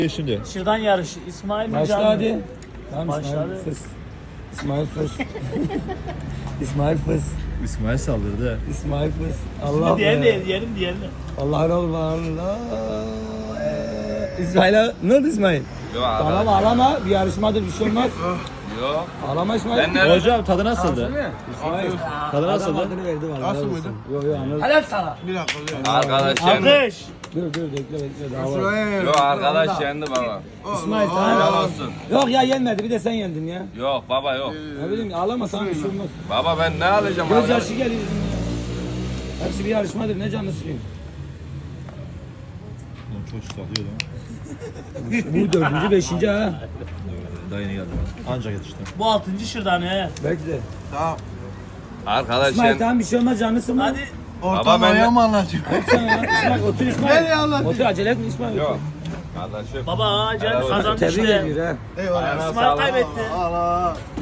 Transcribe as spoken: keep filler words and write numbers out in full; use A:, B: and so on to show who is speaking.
A: Şimdi.
B: Şırdan yarışı. İsmail mi?
C: Başla
B: Can mı?
C: hadi. Tamam
B: Başladı.
C: İsmail fıs. İsmail fıs. İsmail fıs.
A: İsmail saldırdı.
C: İsmail fıs. Allah
B: Diğerini
C: be.
B: de diyelim diğerini.
C: Allah Allah Allah. İsmail'e ne oldu İsmail?
D: Yok
C: Tamam ağlama, bir yarışmadır, bir şey olmaz.
D: Yok.
C: Ağlama İsmail.
D: Ben nerede?
A: Hocam tadı nasıldı?
C: İsmail.
A: Tadı
C: Adam
A: nasıldı?
C: adını verdi valla.
E: Nasıl
C: helal
E: mıydı?
C: olsun. Yok yok anladım.
B: Helal sana.
E: Bir dakika.
D: Arkadaş yendi.
B: Alkış.
C: Dur dur bekle bekle daha var.
E: Şuraya
D: Yok arkadaş yendi baba.
C: İsmail
D: Helal
C: tamam.
D: olsun.
C: Yok ya yenmedi bir de sen yendin ya.
D: Yok baba yok.
C: Ne bileyim ağlama tamam bir şey olmaz.
D: Baba ben ne alacağım?
C: Göz
D: arkadaş?
C: yaşı geliyor. ya. Hepsi bir yarışmadır ne canını sıkayım.
A: Oğlum çok çıkartıyor lan.
C: Bu dördüncü beşinci ha.
A: Daha yeni geldi. Ancak yetişti.
B: Bu altıncı şırdan he.
C: Belki de.
E: Tamam.
D: Arkadaş
C: İsmail
D: yendi.
C: tamam bir şey olmaz canını sıkma.
B: Hadi.
E: Ortam
D: ben de-
E: oraya mı anlatıyor?
C: Sen ya İsmail otur İsmail.
E: Nereye anlatayım?
C: Otur acele etme İsmail.
D: Yok. Kardeşim.
B: Baba Can
D: Helal olsun.
B: kazandı
C: Tebrik
B: işte.
C: ediyor ha.
E: Eyvallah.
D: Ayağına
B: İsmail
D: sağlık.
B: kaybetti.
E: Allah.